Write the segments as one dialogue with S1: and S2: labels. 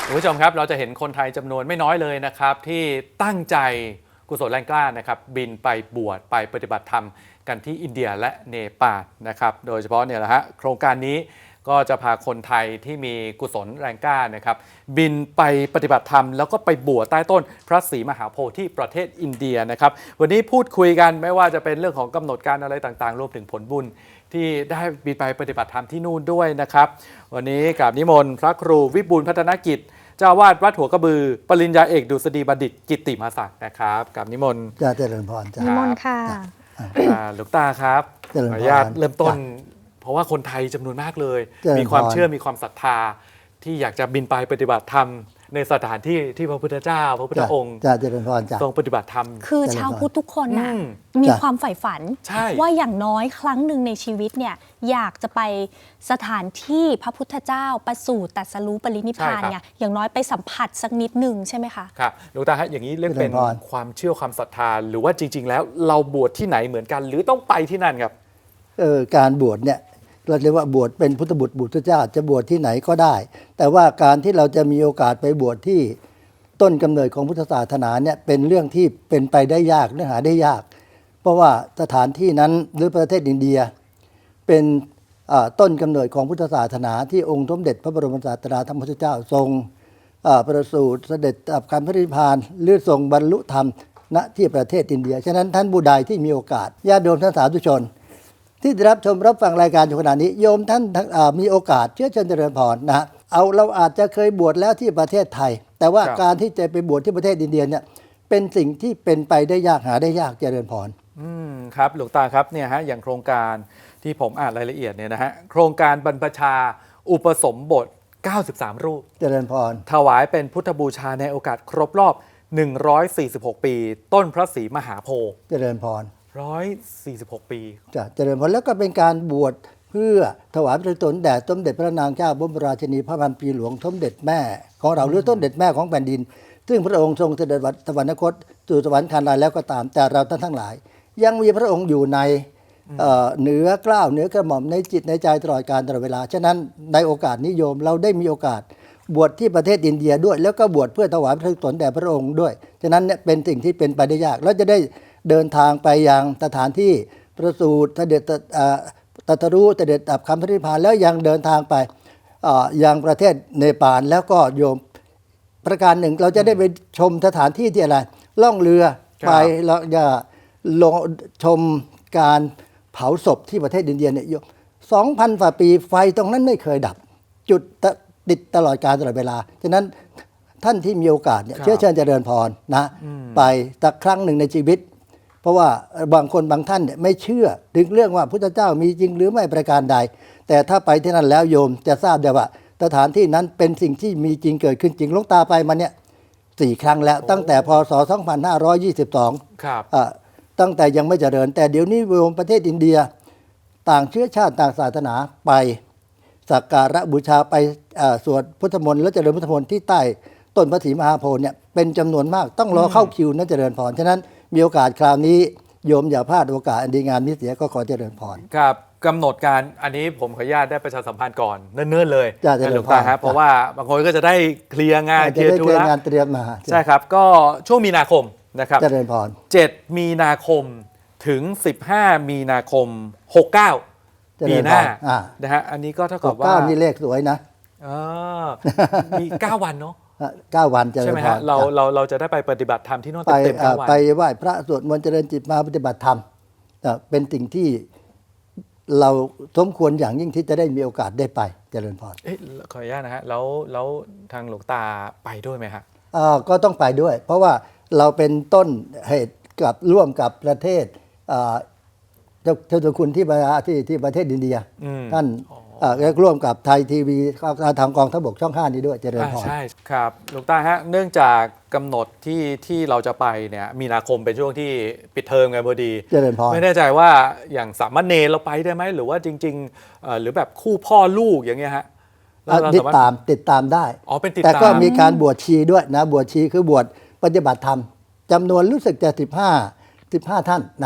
S1: คุณผู้ชมครับเราจะเห็นคนไทยจำนวนไม่น้อยเลยนะครับที่ตั้งใจกุศลแรงกล้านะครับบินไปบวชไปปฏิบัติธรรมกันที่อินเดียและเนปาลนะครับโดยเฉพาะเนี่ยแหละฮะโครงการนี้ก็จะพาคนไทยที่มีกุศลแรงกล้านะครับบินไปปฏิบัติธรรมแล้วก็ไปบวชใต้ต้นพระศรีมหาโพธิ์ที่ประเทศอินเดียนะครับวันนี้พูดคุยกันไม่ว่าจะเป็นเรื่องของกำหนดการอะไรต่างๆรวมถึงผลบุญที่ได้บินไปปฏิบัติธรรมที่นู่นด้วยนะครับวันนี้กราบนิมนต์พระครูวิบูลย์พัฒนกิจเจ้าวาดวัดหัวกระบือปริญญาเอกดุษฎีบัณฑิตกิตติมศักดิ์นะครับกับนิมนต์
S2: จะเจริญพรจ้ะ
S3: นิมนต์ค่ะ
S1: หลวงตาครับขออนุญาตเริ่มต้นเพราะว่าคนไทยจำนวนมากเลยมีความเชื่อมีความศรัทธาที่อยากจะบินไปปฏิบัติธรรมในสถานที่ที่พระพุทธเจ้าพระพุทธองค์
S2: จะเจริญพรจ้ะ
S1: ทรงปฏิบัติธรรม
S3: คือชาวพุทธทุกคนนะมีความใฝ่ฝันว่าอย่างน้อยครั้งหนึ่งในชีวิตเนี่ยอยากจะไปสถานที่พระพุทธเจ้าประสูติตรัสรู้ปรินิพพานเนี่ยอย่างน้อยไปสัมผัสสักนิดหนึ่งใช่ไหมคะ
S1: ครับหลวงตาฮะอย่างนี้เรียกเป็นความเชื่อความศรัทธาหรือว่าจริงๆแล้วเราบวชที่ไหนเหมือนกันหรือต้องไปที่นั่นครับ
S2: การบวชเนี่ยเราเรียกว่าบวชเป็นพุทธบุตรพุทธเจ้าจะบวชที่ไหนก็ได้แต่ว่าการที่เราจะมีโอกาสไปบวชที่ต้นกำเนิดของพุทธศาสนาเนี่ยเป็นเรื่องที่เป็นไปได้ยากเนื้อหาได้ยากเพราะว่าสถานที่นั้นหรือประเทศอินเดียเป็นต้นกำเนิดของพุทธศาสนาที่องค์สมเด็จพระบรมศาสดาธรรมพุทธเจ้าทรงประสูติเสด็จดับขันธ์พระนิพพานหรือทรงบรรลุธรรมณที่ประเทศอินเดียฉะนั้นท่านผู้ใดที่มีโอกาสญาติโยมท่านสาธุชนที่ได้รับชมรับฟังรายการอยู่ขณะนี้โยมท่านมีโอกาสเชิญเจริญพรนะเราอาจจะเคยบวชแล้วที่ประเทศไทยแต่ว่าการที่จะไปบวชที่ประเทศอินเดียเนี่ยเป็นสิ่งที่เป็นไปได้ยากหาได้ยากเจริญพร
S1: ครับหลวงตาครับเนี่ยฮะอย่างโครงการที่ผมอ่านรายละเอียดเนี่ยนะฮะโครงการบรรพชาอุปสมบท93 รูป
S2: เจริญพร
S1: ถวายเป็นพุทธบูชาในโอกาสครบรอบ146 ปีต้นพระศรีมหาโพธิ์
S2: เจริญพร
S1: 146 ปี
S2: จะเจริญพรแล้วก็เป็นการบวชเพื่อถวายพระตนแด่สมเด็จพระนางเจ้าบรมราชินีพระพันปีหลวงสมเด็จแม่ของเราหรือสมเด็จแม่ของแผ่นดินซึ่งพระองค์ทรงเสด็จสวรรคตสู่สวรรค์คันลายแล้วก็ตามแต่เราท่านทั้งหลายยังมีพระองค์อยู่ในเหนือเกล้าเหนือกระหม่อมในจิตในใจตลอดกาลตลอดเวลาฉะนั้นในโอกาสนี้โยมเราได้มีโอกาสบวชที่ประเทศอินเดียด้วยแล้วก็บวชเพื่อถวายพระตนแด่พระองค์ด้วยฉะนั้นเนี่ยเป็นสิ่งที่เป็นไปได้ยากแล้วจะได้เดินทางไปยังสถานที่ประสูติเสด็จตรัสรู้เสด็จดับขันธ์พระนิพพานแล้วยังเดินทางไปยังประเทศเนปาลแล้วก็โยมประการหนึ่งเราจะได้ไปชมสถานที่ที่อะไรล่องเรือไปแล้วจะลงชมการเผาศพที่ประเทศอินเดียเนี่ย2,000 กว่าปีไฟตรงนั้นไม่เคยดับจุดติดตลอดกาลตลอดเวลาฉะนั้นท่านที่มีโอกาสเนี่ยเชิญเจริญพรนะไปสักครั้งหนึ่งในชีวิตเพราะว่าบางคนบางท่านเนี่ยไม่เชื่อถึงเรื่องว่าพุทธเจ้ามีจริงหรือไม่ประการใดแต่ถ้าไปที่นั่นแล้วโยมจะทราบได้ว่าสถานที่นั้นเป็นสิ่งที่มีจริงเกิดขึ้นจริงหลวงตาไปมาเนี่ย4 ครั้งแล้วตั้งแต่พศ2522
S1: ครับ
S2: ตั้งแต่ยังไม่เจริญแต่เดี๋ยวนี้โยมประเทศอินเดียต่างเชื้อชาติต่างศาสนาไปสักการะบูชาไปสวดพุทธมนต์และเจริญพุทธมนต์ที่ใต้ต้นพระศรีมหาโพธิ์เนี่ยเป็นจำนวนมากต้องรอเข้าคิวนั้นเจริญพรฉะนั้นมีโอกาสคราวนี้โยมอย่าพลาดโอกาสอันดีงามนี้เสียก็ขอเจริญพร
S1: ครับกำหนดการอันนี้ผมขออนุญาตได้ประชาสัมพันธ์ก่อนเนิ่นๆเลย
S2: หลวงตา
S1: ครับเพราะว่าบางคนก็จะได้เคลียร์งาน
S2: เคลียร์ธุระงานเตรียมมา
S1: ใช่ครับก็ช่วงมีนาคมนะครับ
S2: เจริญพร
S1: 7 มีนาคมถึง15 มีนาคม69ปีหน้านะฮะอันนี้ก็เท่ากับว่า
S2: นี่เลขสวยนะ
S1: มี9 วันเนาะ
S2: 9 วัน
S1: ใช่ไหมฮะเราจะได้ไปปฏิบัติธรรมที่โน่นเต็ม9 วัน
S2: ไปไหว้พระสวดมนต์เจริญจิตมาปฏิบัติธรรมเป็นสิ่งที่เราสมควรอย่างยิ่งที่จะได้มีโอกาสได้ไปเจริญพร
S1: ขออนุญาตนะฮะแล้วทางหลวงตาไปด้วยไหมฮะ
S2: ก็ต้องไปด้วยเพราะว่าเราเป็นต้นเหตุกับร่วมกับประเทศเจ้าตัวคุณที่ประเทศอินเดียท่านร่วมกับไทยทีวีทางกองทัพบกช่อง 5นี้ด้วยเจริญพร
S1: ใช่ครับหลวงตาฮะเนื่องจากกำหนดที่เราจะไปเนี่ยมีนาคมเป็นช่วงที่ปิดเทอมไงพอดี
S2: เจริญพร
S1: ไม่แน่ใจว่าอย่างสามเณรเราไปได้ไหมหรือว่าจริงๆหรือแบบคู่พ่อลูกอย่างเงี้ยฮะ
S2: ติดตามได้
S1: เป็นติดตาม
S2: แต่ก็มีการบวชชีด้วยนะบวชชีคือบวชปฏิบัติธรรมจำนวนรู้สึกจะ15 ท่านนะ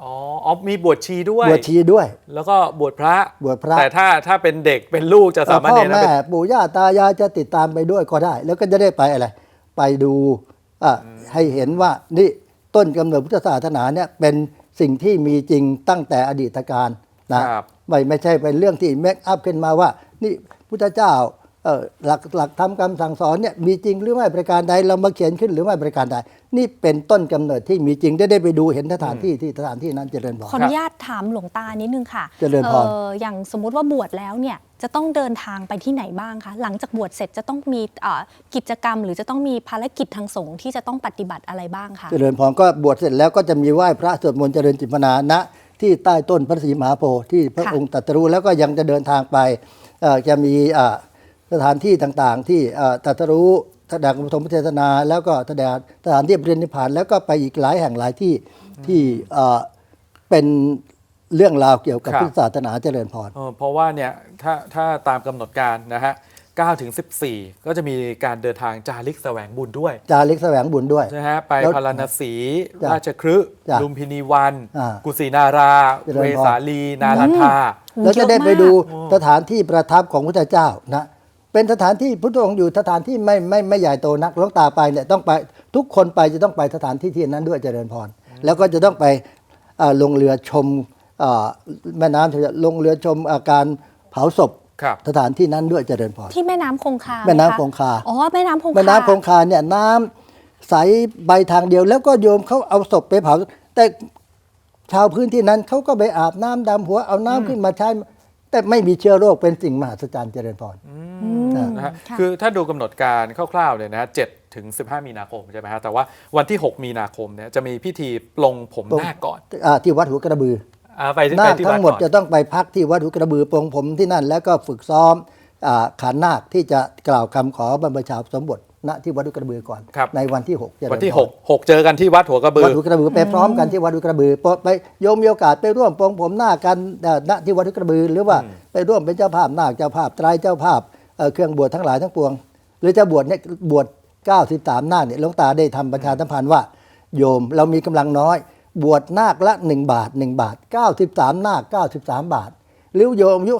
S1: อ๋อมีบวชชีด้วย
S2: บวชชีด้วย
S1: แล้วก็บวชพระ
S2: บวชพระ
S1: แต่ถ้าเป็นเด็กเป็นลูกจะสามารถ
S2: พ่อ
S1: เนรนะ
S2: แม่
S1: เป็น
S2: ปู่ย่าตายายจะติดตามไปด้วยก็ได้ แล้วก็จะได้ไปอะไรไปดูให้เห็นว่านี่ต้นกำเนิดพุทธศาสนาเนี่ยเป็นสิ่งที่มีจริงตั้งแต่อดีตการนะครับ ไม่ใช่เป็นเรื่องที่เมคอัพขึ้นมาว่านี่พุทธเจ้าหลักธรรมคำสั่งสอนเนี่ยมีจริงหรือไม่ประการใดเรามาเขียนขึ้นหรือไม่ประการใดนี่เป็นต้นกำเนิดที่มีจริงได้ไปดูเห็นสถานที่ที่สถานที่นั้นเจริญพร
S3: ขออนุญาตถามหลวงตานิดนึงค่ะ
S2: เจริญพร
S3: อย่างสมมุติว่าบวชแล้วเนี่ยจะต้องเดินทางไปที่ไหนบ้างคะหลังจากบวชเสร็จจะต้องมีกิจกรรม หรือจะต้องมีภารกิจทางสงฆ์ที่จะต้องปฏิบัติอะไรบ้างคะ
S2: เจริญพรก็บวชเสร็จแล้วก็จะมีไหว้พระสวดมนต์เจริญจิตภาวนาณที่ใต้ต้นพระศรีมหาโพธิ์ที่พระองค์ตรัสรู้แล้วก็ยังจะเดินทางไปจะมีสถานที่ต่างๆที่ตรัสรู้แสดงปฐมเทศนาแล้วก็แสดงสถานที่ปรินิพพานแล้วก็ไปอีกหลายแห่งหลายที่ที่เป็นเรื่องราวเกี่ยวกับ
S1: ครับ
S2: พุทธศาสนาเจริญพร
S1: เพราะว่าเนี่ยถ้าตามกำหนดการนะฮะ9 ถึง 14 ก็จะมีการเดินทางจาริกแสวงบุญด้วย
S2: จาริกแสวงบุญด้วย
S1: ใช่ฮะไป
S2: แล้ว
S1: พาราณสี
S2: จ้ะ
S1: ราชคฤห์
S2: จ้ะ
S1: ลุมพินีวัน กุสินารา
S2: เจริญพร
S1: เวสาลี นาลันทา
S2: แล้วจะได้ไปดู
S3: เยอะมาก
S2: สถานที่ประทับของพระพุทธเจ้านะเป็นสถานที่พุทธองค์อยู่สถานที่ไม่ใหญ่โตนักหลวงตาไปเนี่ยต้องไปทุกคนไปจะต้องไปสถานที่ที่นั้นด้วยเจริญพรแล้วก็จะต้องไปลงเรือชมแม่น้ำลงเรือชมอาการเผาศพ
S1: ครับ
S2: สถานที่นั้นด้วยเจริญพร
S3: ที่แม่น้ำคงคาไห
S2: แม่น้ำ
S3: ะ
S2: คงคา
S3: อ๋อแม่น้ำคงคา
S2: แม่น้ำคงคาเนี่ยน้ำใสใบทางเดียว แล้วก็โยมเขาเอาศพไปเผาแต่ชาวพื้นที่นั้นเขาก็ไปอาบน้ำดำหัวเอาน้ำขึ้นมาใช้แต่ไม่มีเชื้อโรคเป็นสิ่งมหัศจรรย์เจริญพร
S1: นะฮะ
S3: ค่ะ
S1: คือถ้าดูกำหนดการคร่าวๆเลยนะฮะ7 ถึง 15 มีนาคมใช่ไหมฮะแต่ว่าวันที่ 6 มีนาคมเนี่ยจะมีพิธีปลงผมนาคก่อน
S2: ที่วัดหัวกระบือ
S1: ไปที่
S2: นาค
S1: ที่
S2: ทั้
S1: วัด
S2: งหมด
S1: ก่อน
S2: จะต้องไปพักที่วัดหัวกระบือปลงผมที่นั่น แล้วก็ฝึกซ้อมขันนาคที่จะกล่าวคำขอบรรพชาสมบทณที่วัดหัวกระบือก่อน
S1: ครับ
S2: ในวันที่6เจริญพร
S1: วันที่ 6 เจอกันที่วัดหัวกระบื
S2: วั
S1: อ
S2: ดหัวกระบือไปพร้อมกันที่วัดหัวกระบือไปโยมมีโอกาสไปร่วมปลงผมนาคกันณที่วัดหัวกระบือ หรือว่าไปร่วมเป็นเจ้าภาพนาคเจ้าภาพไตรเจ้าภาพเครื่องบวชทั้งหลายทั้งปวง หรือจะบวชเนี่ยบวช93นาคเนี่ยหลวงตาได้ทำประชาสัมพันธ์ว่า โยมเรามีกำลังน้อย บวชนาคละ1 บาท1 บาท93นาค93 บาทหรือโยมอายุ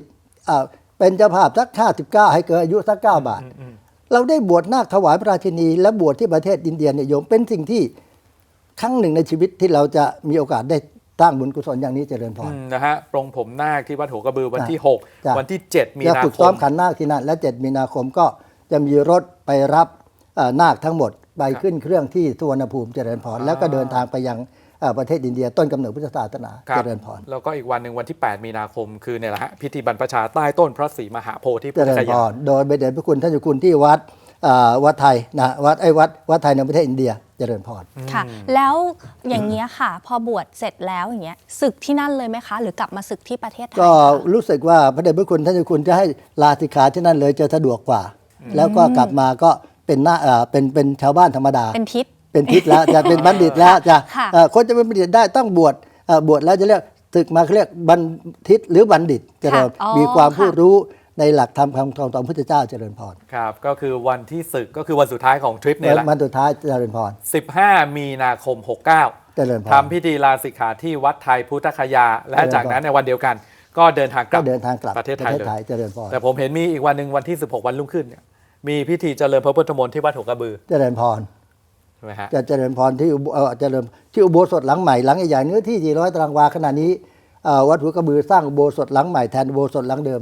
S2: 50เป็นเจ้าภาพสัก59ให้เกิดอายุสัก9 บาท เราได้บวชนาคถวายพระราชินีและบวชที่ประเทศอินเดียเนี่ยโยมเป็นสิ่งที่ครั้งหนึ่งในชีวิตที่เราจะมีโอกาสได้สร้างบุญกุศลอย่างนี้เจริญพร
S1: นะฮะปลงผมนาคที่วัดหัวกระบือวันที่
S2: จ้ะ
S1: 6 วันที่ 7 มี
S2: จะ
S1: นา
S2: ฝึก
S1: ค
S2: ซ้อม
S1: ม
S2: ขันนาคที่นั่นและ7 มีนาคมก็จะมีรถไปรับนาคทั้งหมดไปขึ้นเครื่องที่สุวรรณภูมิเจริญพรแล้วก็เดินทางไปยังประเทศอินเดียต้นกำเนิดพุทธศาสนา
S1: ครับ
S2: เจริญพร
S1: แล้วก็อีกวันหนึ่งวันที่ 8 มีนาคมคือเนี่ยแหละฮะพิธีบรรพชาใต้ต้นพระศรีมหาโพธิ์ที่
S2: เจ
S1: พุทธ
S2: ริญ
S1: ค
S2: พ
S1: ยา
S2: รโดยเดชพระคุณท่านเจ้าคุณที่วัดไทยนะวัดไทยในประเทศอินเดียเจริญพร
S3: ค่ะ แล้วอย่างเงี้ยค่ะ พอบวชเสร็จแล้วอย่างเงี้ยศึกที่นั่นเลยไหมคะ หรือกลับมาศึกที่ประเทศไทย
S2: ก็
S3: คะ
S2: รู้สึกว่าพระเดชพระคุณท่านเจ้าคุณจะให้ลาสิกขาที่นั่นเลยจะสะดวกกว่า แล้วก็กลับมาก็เป็นชาวบ้านธรรมดา
S3: เป็นทิศ
S2: เป็นทิศแล้วจะเป็นบัณฑิตแล้วจะ
S3: ค่ะ
S2: คนจะเป็นบัณฑิตได้ต้องบวชบวชแล้วจะเรียกศึกมาเขาเรียกบัณฑิตหรือบัณฑิตเจริญ
S3: อ๋อ
S2: มีความ
S3: ค่ะ
S2: ผู้รู้ในหลักธรรมคำสอนของพระพุทธเจ้าเจริญพร
S1: ครับก็คือวันที่ศึกก็คือวันสุดท้ายของทริปเนี่ยแหละ
S2: มันสุดท้ายเจริญพร
S1: 15 มีนาคม 69
S2: เจริญพร
S1: ทำพิธีลาสิกขาที่วัดไทยพุทธคยา และ
S2: เจริญพร
S1: จากนั้นในวันเดียวกัน ก็เดินทางก
S2: ก็
S1: ลับ
S2: เดินทางกลับ
S1: ประเทศไทยเลย
S2: เจริญพร
S1: แต่ผมเห็นมีอีกวันหนึ่งวันที่ 16 วันรุ่งขึ้นเนี่ยมีพิธีเจริญพระพุทธมนต์ที่วัดหัวกระบือ
S2: เจริญพร
S1: ใช่ไหมฮะ
S2: จะเจริญพรที่เจริญที่อุโบสถหลังใหม่หลังใหญ่ๆเนื้อที่400 ตารางวาขณะนี้วัดหัวกระบือสร้างอุโบสถหลังใหม่แทนอุโบสถหลังเดิม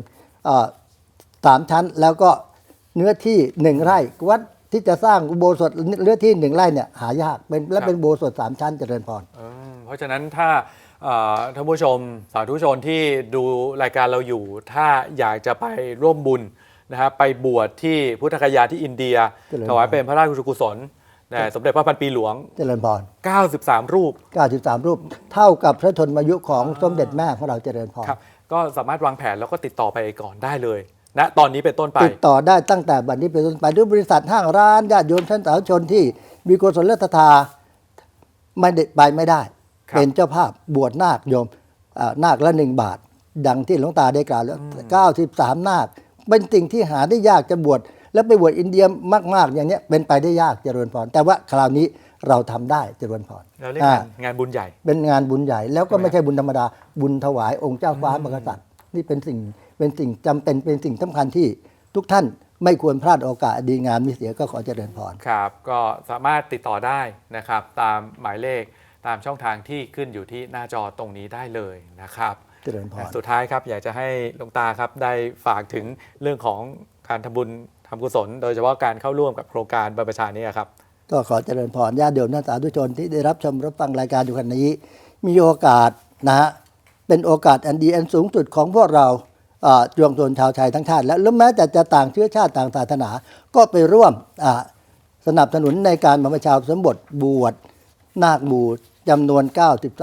S2: 3 ชั้นแล้วก็เนื้อที่1 ไร่วัดที่จะสร้างอุโบสถเนื้อที่1 ไร่เนี่ยหายากเป็นอุโบสถ3 ชั้นเจริญพร
S1: เพราะฉะนั้นถ้าท่านผู้ชมสาธุชนที่ดูรายการเราอยู่ ถ้าอยากจะไปร่วมบุญนะฮะไปบวชที่พุทธคยาที่อินเดีย
S2: เจริญพร
S1: ถวายเป็นพระราชกุศลแด่สมเด็จพระพันปีหลวง
S2: เจริญพร
S1: 93 รูป
S2: 93 รูปเท่ากับพระชนมายุของสมเด็จแม่ของเราเจริญพร
S1: ครับก็สามารถวางแผนแล้วก็ติดต่อไปก่อนได้เลยนะตอนนี้เป็นต้นไป
S2: ติดต่อได้ตั้งแต่บัดนี้เป็นต้นไปด้วยบริษัทห้างร้านญาติโยมท่านสาธุชนที่มีกุศลศรัทธาไม่ได้ไปไม่ได้
S1: ครับ
S2: เป็นเจ้าภาพบวชนาคโยมนาคละ1 บาท ดังที่หลวงตาได้กล่าวแล้ว93 นาคเป็นสิ่งที่หาได้ยากจะบวชแล้วไปบวชอินเดียมากๆอย่างเนี้ยเป็นไปได้ยากเจริญพรแต่ว่าคราวนี้เราทำได้เจริญพร
S1: เราเรียกงานบุญใหญ่
S2: เป็นงานบุญใหญ่แล้วก็ไม่ใช่บุญธรรมดาบุญถวายองค์เจ้าฟ้ามหากษัตริย์นี่เป็นสิ่งจำเป็นเป็นสิ่งสำคัญที่ทุกท่านไม่ควรพลาดโอกาสดีงามมีเสียก็ขอเจริญพร
S1: ครับก็สามารถติดต่อได้นะครับตามหมายเลขตามช่องทางที่ขึ้นอยู่ที่หน้าจอตรงนี้ได้เลยนะครับ
S2: เจริญพร
S1: สุดท้ายครับอยากจะให้หลวงตาครับได้ฝากถึงเรื่องของการทำบุญทำกุศลโดยเฉพาะการเข้าร่วมกับโครงการบรรพชานี้ครับ
S2: ก็ขอเจริญพรญาติโยมนักสาธุชนที่ได้รับชมรับฟังรายการอยู่ขณะนี้มีโอกาสนะฮะเป็นโอกาสอันดีอันสูงสุดของพวกเราจวงชนชาวไทยทั้งชาติและแม้แต่จะต่างเชื้อชาติต่างศาสนาก็ไปร่วมสนับสนุนในการบรรพชาอุปสมบทบวชนาคบูชจำนวน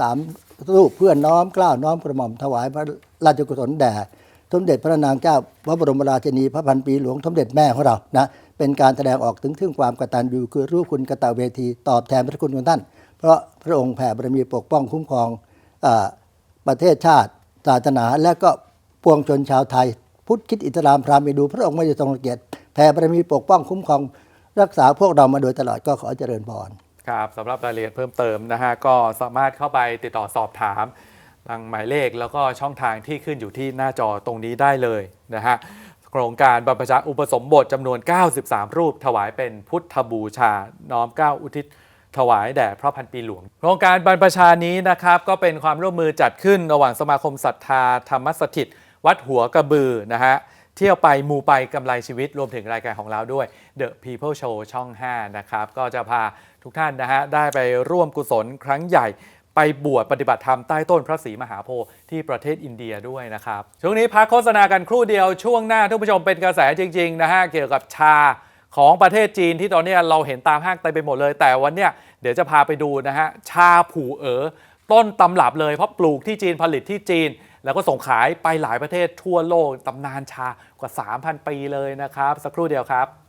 S2: 93รูปเพื่อน้อมเกล้าน้อมกระหม่อมถวายพระราชกุศลแด่สมเด็จพระนางเจ้าพระบรมราชินีพระพันปีหลวงสมเด็จแม่ของเรานะเป็นการแสดงออกถึงความกตัญญูคือรู้คุณกตเวทีตอบแทนพระคุณของท่านเพราะพระองค์แผ่บารมีปกป้องคุ้มครองประเทศชาติศาสนาและก็ปวงชนชาวไทยพุทธคริสต์อิสลามพราหมณ์ดูพระองค์ไม่ได้ทรงรังเกียจแผ่บารมีปกป้องคุ้มครองรักษาพวกเรามาโดยตลอดก็ขอเจริญพร
S1: ครับสำหรับรายละเอียดเพิ่มเติมนะฮะก็สามารถเข้าไปติดต่อสอบถามทางหมายเลขแล้วก็ช่องทางที่ขึ้นอยู่ที่หน้าจอตรงนี้ได้เลยนะฮะโครงการบรรพชาอุปสมบทจำนวน 93 รูปถวายเป็นพุทธบูชาน้อมเกล้าอุทิศถวายแด่พระพันปีหลวงโครงการบรรพชานี้นะครับก็เป็นความร่วมมือจัดขึ้นระหว่างสมาคมศรัทธาธรรมสถิตวัดหัวกระบือนะฮะเที่ยวไปมูไปกำไรชีวิตรวมถึงรายการของเราด้วย The People Show ช่อง 5 นะครับก็จะพาทุกท่านนะฮะได้ไปร่วมกุศลครั้งใหญ่ไปบวชปฏิบัติธรรมใต้ต้นพระศรีมหาโพธิ์ที่ประเทศอินเดียด้วยนะครับช่วงนี้พักโฆษณากันครู่เดียวช่วงหน้าทุกผู้ชมเป็นกระแสจริงๆนะฮะเกี่ยวกับชาของประเทศจีนที่ตอนนี้เราเห็นตามห้างเต็มไปหมดเลยแต่วันเนี้ยเดี๋ยวจะพาไปดูนะฮะชาผู่เอ๋อต้นตำรับเลยเพราะปลูกที่จีนผลิตที่จีนแล้วก็ส่งขายไปหลายประเทศทั่วโลกตำนานชากว่า 3,000 ปีเลยนะครับสักครู่เดียวครับ